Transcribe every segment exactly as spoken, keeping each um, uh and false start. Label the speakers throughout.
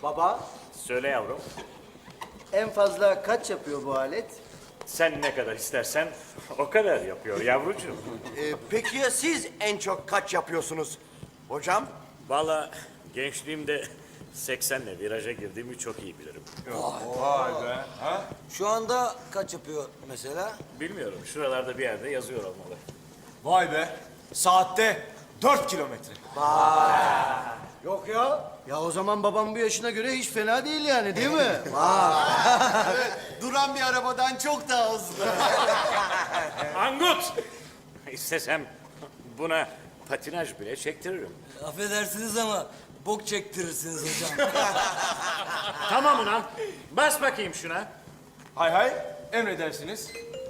Speaker 1: Baba,
Speaker 2: Söyle yavrum.
Speaker 1: en fazla kaç yapıyor bu alet?
Speaker 2: Sen ne kadar istersen o kadar yapıyor yavrucuğum.
Speaker 3: Ee, peki ya siz en çok kaç yapıyorsunuz hocam?
Speaker 2: Vallahi gençliğimde seksenle viraja girdiğimi çok iyi bilirim.
Speaker 4: Şu anda kaç yapıyor mesela?
Speaker 2: Bilmiyorum, şuralarda bir yerde yazıyor olmalı.
Speaker 5: Vay be. Saatte dört kilometre.
Speaker 1: Yok ya. Ya o zaman babam bu yaşına göre hiç fena değil yani, değil mi?
Speaker 3: Duran bir arabadan çok daha hızlı.
Speaker 2: Angut! İstesem buna patinaj bile çektiririm.
Speaker 4: Affedersiniz ama bok çektirirsiniz hocam.
Speaker 2: Tamam ulan, bas bakayım şuna.
Speaker 5: Hay hay. Emredersiniz.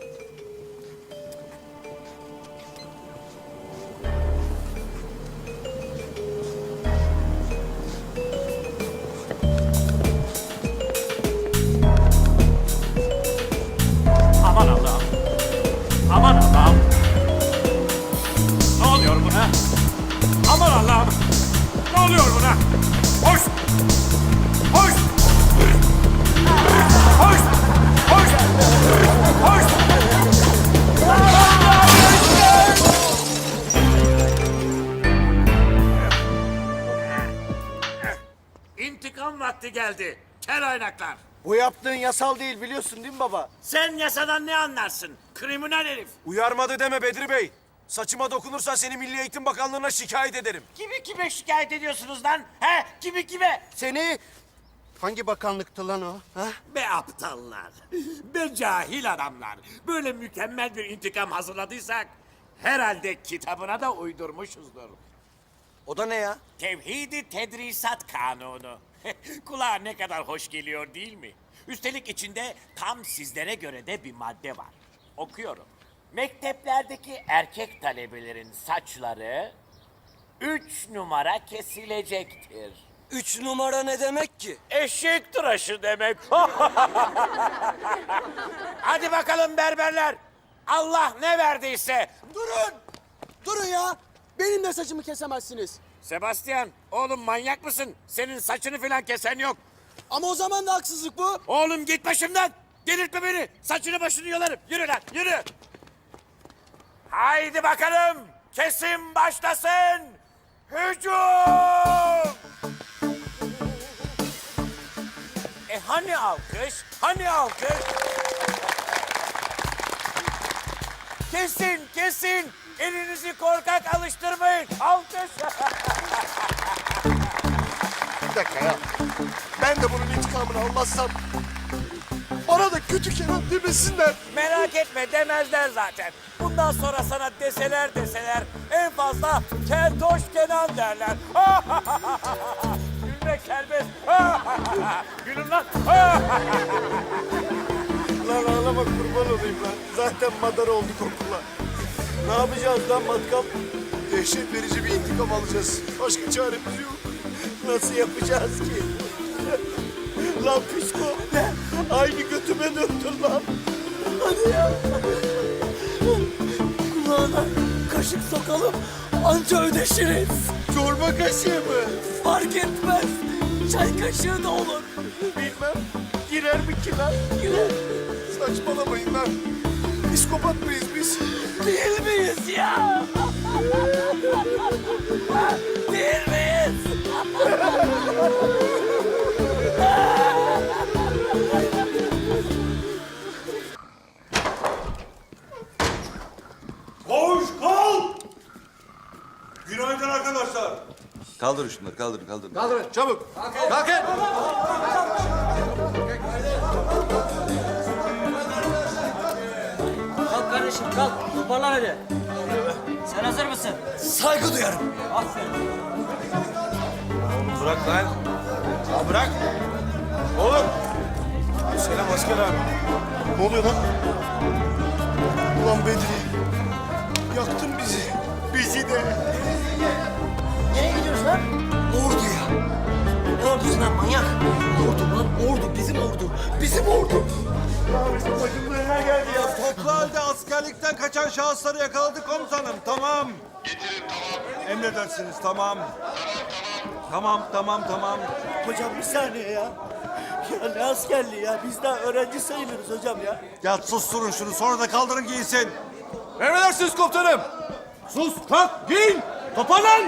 Speaker 2: Aman Allah'ım. Aman Allah'ım. Ne oluyor buna? Aman Allah'ım. Ne oluyor buna? Hoş. Hoş. Hoş. Hoş. Hoş. İntikam vakti geldi. Kel oynaklar.
Speaker 1: Bu yaptığın yasal değil, biliyorsun değil mi baba?
Speaker 2: Sen yasadan ne anlarsın? Kriminal herif.
Speaker 5: Uyarmadı deme Bedri Bey. Saçıma dokunursan seni Milli Eğitim Bakanlığı'na şikayet ederim.
Speaker 2: Kimi kime şikayet ediyorsunuz lan? He? Kimi kime?
Speaker 1: Seni hangi bakanlıktı lan o? Ha?
Speaker 2: Be aptallar. Be cahil adamlar. Böyle mükemmel bir intikam hazırladıysak herhalde kitabına da uydurmuşuzdur.
Speaker 4: O da ne ya?
Speaker 2: Tevhid-i Tedrisat Kanunu. Kulağa ne kadar hoş geliyor değil mi? Üstelik içinde tam sizlere göre de bir madde var. Okuyorum. Mekteplerdeki erkek talebelerin saçları üç numara kesilecektir.
Speaker 4: Üç numara ne demek ki?
Speaker 2: Eşek tıraşı demek. Hadi bakalım berberler. Allah ne verdiyse.
Speaker 6: Durun! Durun ya! Benim de saçımı kesemezsiniz.
Speaker 2: Sebastian, oğlum manyak mısın? Senin saçını falan kesen yok.
Speaker 6: Ama o zaman da haksızlık bu.
Speaker 2: Oğlum git başımdan. Delirtme beni. Saçını başını yolarım. Yürü lan, yürü. Haydi bakalım. Kesim başlasın. Hücum! E hani alkış? Hani alkış? Kesin, kesin. Elinizi korkak alıştırmayın. Alkış.
Speaker 3: Bir dakika ya. Ben de bunun intikamını almazsam bana da kötü Kenan demesinler.
Speaker 2: Merak etme demezler zaten. Bundan sonra sana deseler deseler en fazla Keltoş Kenan derler. Gülmek serbest. Gülün lan.
Speaker 3: Lan ağlama, kurban olayım lan. Zaten madar olduk okula. Ne yapacağız lan matkap? Dehşet verici bir intikam alacağız. Başka çaremiz yok. Nasıl yapacağız ki? Lan psiko. Aynı götüme döndün lan. Hadi ya.
Speaker 6: Kulağına kaşık sokalım, anca ödeşiriz.
Speaker 3: Çorba kaşığı mı?
Speaker 6: Fark etmez. Çay kaşığı da olur.
Speaker 3: Bilmem. Girer mi ki lan?
Speaker 6: Girer.
Speaker 3: Saçmalamayın lan. Psikopat mıyız biz?
Speaker 6: Değil miyiz ya? Değil miyiz?
Speaker 7: Koş kalk! Günaydın arkadaşlar.
Speaker 8: Kaldırın şunları, kaldırın, kaldırın.
Speaker 3: Kaldırın çabuk. Kalkın.
Speaker 9: Kalk kardeşim kalk. Toparlan hadi. Sen hazır mısın?
Speaker 6: Saygı duyarım.
Speaker 9: Aferin.
Speaker 5: Bırak lan. Ya bırak. Oğlum. Selam asker abi.
Speaker 3: Ne oluyor lan? Ulan Bedri. Yaktın bizi. Bizi de.
Speaker 6: Nereye gidiyoruz lan? Orduya. Ne ordusu lan manyak? Ordu lan ordu. Bizim ordu. Bizim ordu.
Speaker 3: Başımıza neler geldi ya?
Speaker 7: Toplu halde askerlikten kaçan şahısları yakaladık komutanım. Tamam.
Speaker 10: Getirin tamam.
Speaker 7: Emredersiniz tamam.
Speaker 10: Tamam tamam.
Speaker 7: Tamam, tamam, tamam.
Speaker 6: Hocam bir saniye ya. Ya ne askerliği ya? Biz daha öğrenci sayılırız hocam ya.
Speaker 7: Ya susturun şunu, sonra da kaldırın giysin.
Speaker 5: Emredersiniz komutanım. Sus, kalk, giyin. Toparlan.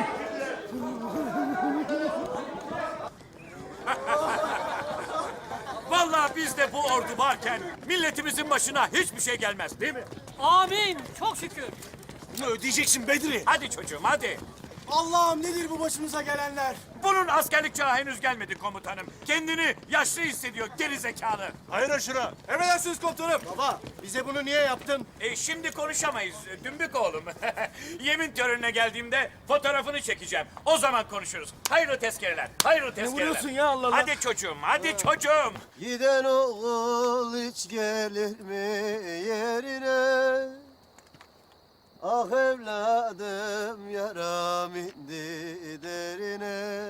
Speaker 2: Vallahi bizde bu ordu varken milletimizin başına hiçbir şey gelmez değil mi?
Speaker 9: Amin. Çok şükür.
Speaker 3: Bunu ödeyeceksin Bedri.
Speaker 2: Hadi çocuğum hadi.
Speaker 3: Allah'ım nedir bu başımıza gelenler?
Speaker 2: Bunun askerlik çağı henüz gelmedi komutanım. Kendini yaşlı hissediyor geri zekalı.
Speaker 7: Hayır şuna.
Speaker 5: Emredersiniz komutanım.
Speaker 1: Baba bize bunu niye yaptın?
Speaker 2: E, şimdi konuşamayız dümbük oğlum. Yemin törenine geldiğimde fotoğrafını çekeceğim. O zaman konuşuruz. Hayırlı tezkereler, hayırlı tezkereler.
Speaker 1: vuruyorsun ya Allah Allah?
Speaker 2: Hadi çocuğum, hadi çocuğum.
Speaker 3: Giden oğul hiç gelir mi yerine? Ah evladım yaram indi derine.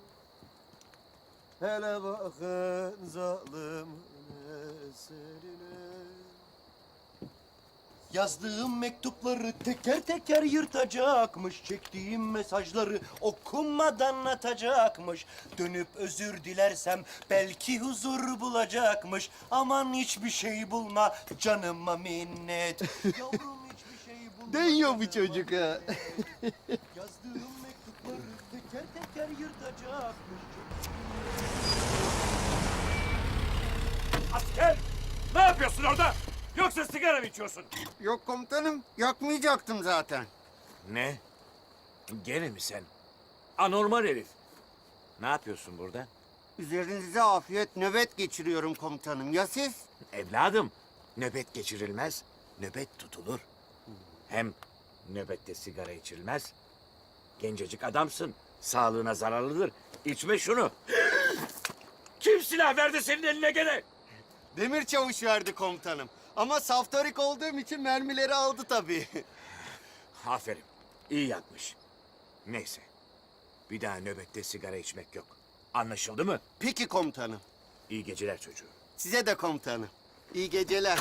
Speaker 3: Hele bakın zalim eserine. Yazdığım mektupları teker teker yırtacakmış. Çektiğim mesajları okunmadan atacakmış. Dönüp özür dilersem belki huzur bulacakmış. Aman hiçbir şey bulma canıma minnet. Yavrum hiçbir şey bulma. Deniyor bu çocuk ha. Yazdığım mektupları teker teker yırtacakmış.
Speaker 2: Asker, ne yapıyorsun orada? Yoksa sigara mı içiyorsun?
Speaker 3: Yok komutanım, yakmayacaktım zaten.
Speaker 2: Ne? Gene mi sen? Anormal herif. Ne yapıyorsun burada?
Speaker 3: Üzerinize afiyet, nöbet geçiriyorum komutanım. Ya siz?
Speaker 2: Evladım, nöbet geçirilmez, nöbet tutulur. Hem nöbette sigara içilmez. Gencecik adamsın, sağlığına zararlıdır. İçme şunu. Kim silah verdi senin eline gene?
Speaker 3: Demir çavuş verdi komutanım. Ama saftarik olduğum için mermileri aldı tabii.
Speaker 2: Aferin, iyi yapmış. Neyse, bir daha nöbette sigara içmek yok. Anlaşıldı mı?
Speaker 3: Peki komutanım.
Speaker 2: İyi geceler çocuğum.
Speaker 3: Size de komutanım. İyi geceler.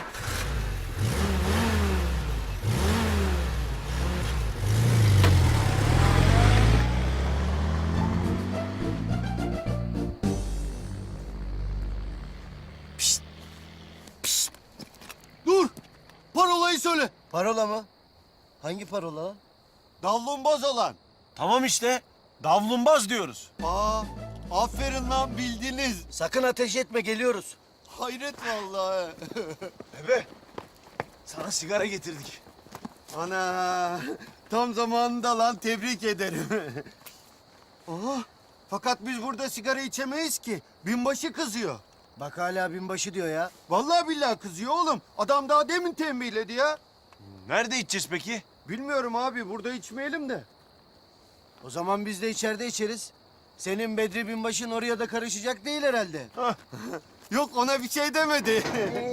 Speaker 3: Dur! Parolayı söyle. Parola mı? Hangi parola? Davlumbaz olan.
Speaker 5: Tamam işte. Davlumbaz diyoruz.
Speaker 3: Aa, aferin lan bildiniz.
Speaker 1: Sakın ateş etme geliyoruz.
Speaker 3: Hayret vallahi.
Speaker 5: Bebe, sana sigara getirdik.
Speaker 3: Ana, tam zamanında lan tebrik ederim. Oha, fakat biz burada sigara içemeyiz ki. Binbaşı kızıyor.
Speaker 1: Bak hala binbaşı diyor ya.
Speaker 3: Vallahi billahi kızıyor oğlum. Adam daha demin tembihledi ya.
Speaker 5: Nerede içeceğiz peki?
Speaker 3: Bilmiyorum abi, burada içmeyelim de.
Speaker 1: O zaman biz de içeride içeriz. Senin Bedri binbaşın oraya da karışacak değil herhalde.
Speaker 3: Yok, ona bir şey demedi.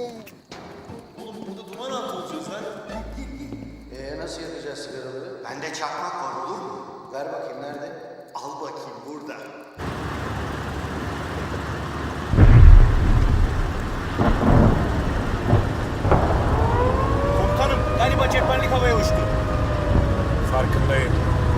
Speaker 1: Ee nasıl yakacağız sigaraları?
Speaker 3: Bende çakmak var, olur mu?
Speaker 1: Ver bakayım nerede?
Speaker 3: Al bakayım burada.
Speaker 5: Komutanım, galiba cephanelik havaya uçtu.
Speaker 2: Farkındayım.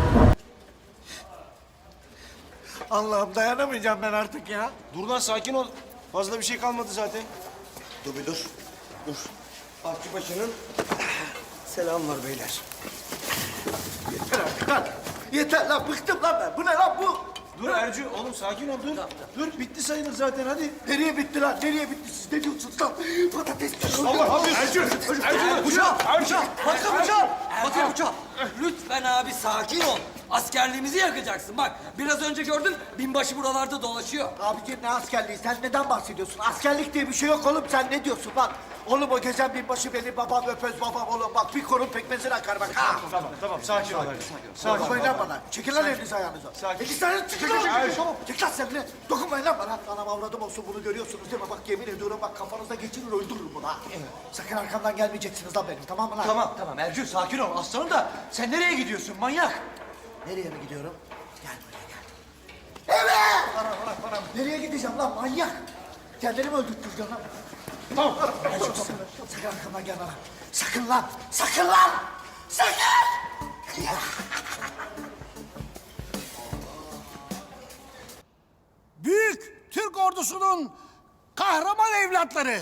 Speaker 1: Allah'ım dayanamayacağım ben artık ya.
Speaker 5: Dur lan, sakin ol. Fazla bir şey kalmadı zaten.
Speaker 1: Dur bir dur. Dur. Akçıbaşı'nın selam var beyler. Yeter artık lan. Yeter lan bıktım lan ben. Bu ne lan bu?
Speaker 5: Dur Ercü, oğlum sakin ol, dur. Dur, bitti sayılır zaten, hadi.
Speaker 1: Nereye bitti lan? Nereye bitti? Siz ne diyorsunuz lan? Patates.
Speaker 5: Allah abi, Ercü! Ercü!
Speaker 1: Bıçak! Bıçak! Bakın bıçak!
Speaker 4: Bakın bıçak. Lütfen abi sakin ol. Askerliğimizi yakacaksın. Bak biraz önce gördün binbaşı buralarda dolaşıyor.
Speaker 1: Abicim ne askerliği? Sen neden bahsediyorsun? Askerlik diye bir şey yok oğlum. Sen ne diyorsun lan? Oğlum o gezen binbaşı benim babam öpöz babam oğlum. Bak bir korun pekmezini akar bak ha.
Speaker 5: Tamam, tamam, sakin ol Ercü. Sakin ol.
Speaker 1: Dokunmayın lan bana. Çekil lan elinizi ayağınıza.
Speaker 5: Sakin.
Speaker 1: İki tane çıkın lan. Tamam. Çek lan sen de. Dokunmayın lan bana. Anam avradım olsun bunu görüyorsunuz değil mi? Bak yemin ediyorum bak kafanızda geçirir öldürürüm bunu ha. Sakın arkamdan gelmeyeceksiniz lan benim tamam mı lan?
Speaker 6: Tamam tamam Ercü sakin ol. Aslanım da sen nereye gidiyorsun manyak?
Speaker 1: Nereye mi gidiyorum? Gel buraya gel. Evet! Bana bana bana. Nereye gideceğim lan manyak? Kendini mi öldürteceksin lan? Tamam. Gel şu sakın, sakın arkamdan gel bana. Sakın lan! Sakın lan! Sakın! büyük Türk ordusunun kahraman evlatları.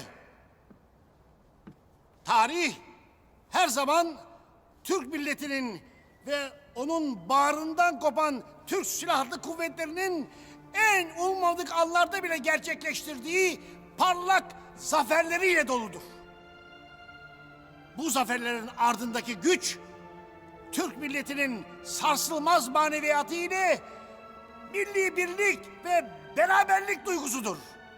Speaker 1: Tarih her zaman Türk milletinin ve onun bağrından kopan Türk Silahlı Kuvvetleri'nin en ummadık anlarda bile gerçekleştirdiği parlak zaferleriyle doludur. Bu zaferlerin ardındaki güç, Türk milletinin sarsılmaz maneviyatı ile milli birlik ve beraberlik duygusudur.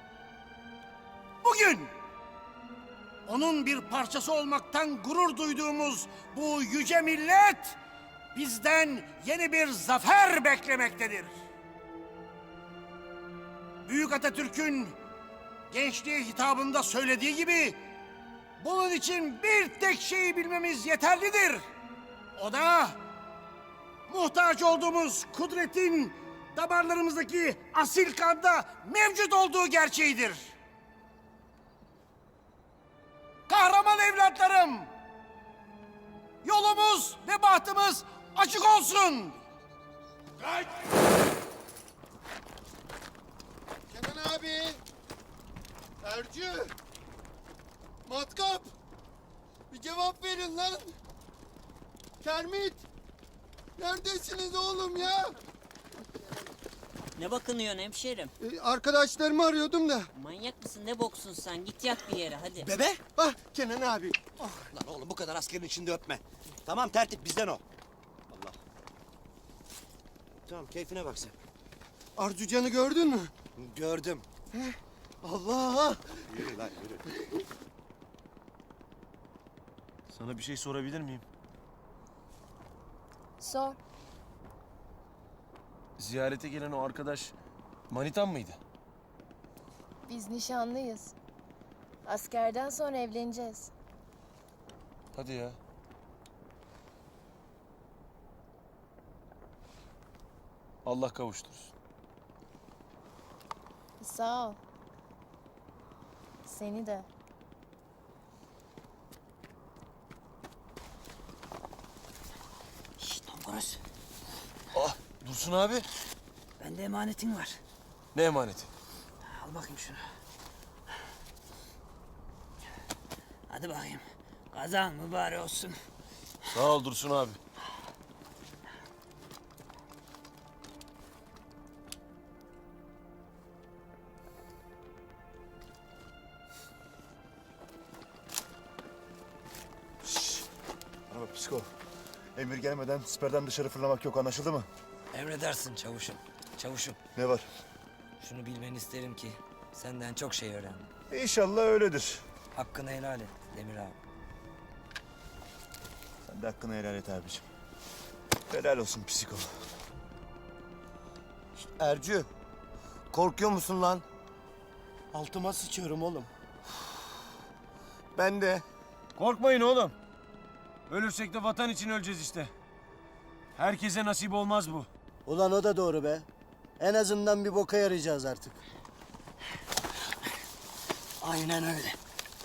Speaker 1: Bugün onun bir parçası olmaktan gurur duyduğumuz bu yüce millet bizden yeni bir zafer beklemektedir. Büyük Atatürk'ün gençliğe hitabında söylediği gibi bunun için bir tek şeyi bilmemiz yeterlidir. O da muhtaç olduğumuz kudretin damarlarımızdaki asil kanda mevcut olduğu gerçeğidir. Kahraman evlatlarım, yolumuz ve bahtımız açık olsun.
Speaker 3: Kenan abi. Ercü. Matkap. Bir cevap verin lan. Kermit. Neredesiniz oğlum ya?
Speaker 9: Ne bakınıyorsun hemşerim?
Speaker 3: Ee, arkadaşlarımı arıyordum da.
Speaker 9: Manyak mısın ne boksun sen? Git yat bir yere hadi.
Speaker 6: Bebe?
Speaker 3: Ah Kenan abi.
Speaker 6: Lan oğlum bu kadar askerin içinde öpme. Tamam tertip bizden o. Allah. Tamam keyfine bak sen.
Speaker 3: Arzucan'ı gördün mü?
Speaker 6: Gördüm.
Speaker 3: Allah.
Speaker 6: Yürü lan yürü.
Speaker 5: Sana bir şey sorabilir miyim?
Speaker 10: Sor.
Speaker 5: Ziyarete gelen o arkadaş manitan mıydı?
Speaker 10: Biz nişanlıyız. Askerden sonra evleneceğiz.
Speaker 5: Hadi ya. Allah kavuştursun.
Speaker 10: Sağ ol. Seni de.
Speaker 4: Şşt Tomgoros.
Speaker 5: Ah Dursun abi.
Speaker 4: Bende emanetin var.
Speaker 5: Ne emaneti?
Speaker 4: Al bakayım şunu. Hadi bakayım. Kazan mübarek olsun.
Speaker 5: Sağ ol Dursun abi.
Speaker 3: Ama psiko. Emir gelmeden siperden dışarı fırlamak yok, anlaşıldı mı?
Speaker 4: Emredersin çavuşum. Çavuşum.
Speaker 3: Ne var?
Speaker 4: Şunu bilmeni isterim ki senden çok şey öğrendim.
Speaker 3: İnşallah öyledir.
Speaker 4: Hakkını helal et Demir abi.
Speaker 3: Sen de hakkını helal et abicim. Helal olsun psiko.
Speaker 6: Ercü. Korkuyor musun lan? Altıma sıçıyorum oğlum. Ben de.
Speaker 5: Korkmayın oğlum. Ölürsek de vatan için öleceğiz işte. Herkese nasip olmaz bu.
Speaker 6: Ulan o da doğru be. En azından bir boka yarayacağız artık.
Speaker 4: Aynen öyle.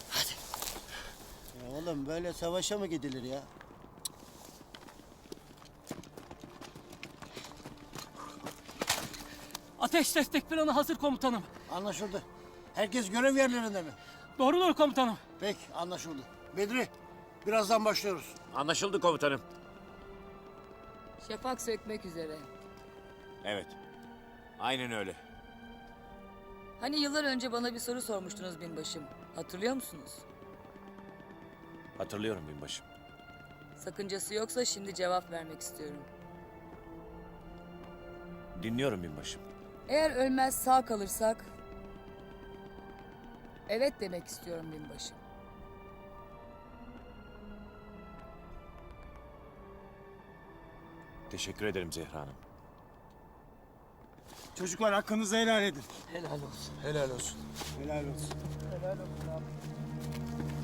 Speaker 6: Ya oğlum böyle savaşa mı gidilir ya?
Speaker 9: Ateş destek planı hazır komutanım.
Speaker 1: Anlaşıldı. Herkes görev yerlerinde mi?
Speaker 9: Doğrudur komutanım.
Speaker 1: Peki, anlaşıldı. Bedri, birazdan başlıyoruz.
Speaker 2: Anlaşıldı komutanım.
Speaker 10: Şafak sökmek üzere.
Speaker 2: Evet. Aynen öyle.
Speaker 10: Hani yıllar önce bana bir soru sormuştunuz binbaşım. Hatırlıyor musunuz?
Speaker 2: Hatırlıyorum binbaşım.
Speaker 10: Sakıncası yoksa şimdi cevap vermek istiyorum.
Speaker 2: Dinliyorum binbaşım.
Speaker 10: Eğer ölmez sağ kalırsak... Evet demek istiyorum binbaşım.
Speaker 2: Teşekkür ederim Zehra Hanım.
Speaker 7: Çocuklar hakkınızı helal edin.
Speaker 4: Helal olsun.
Speaker 5: Helal olsun.
Speaker 7: Helal olsun.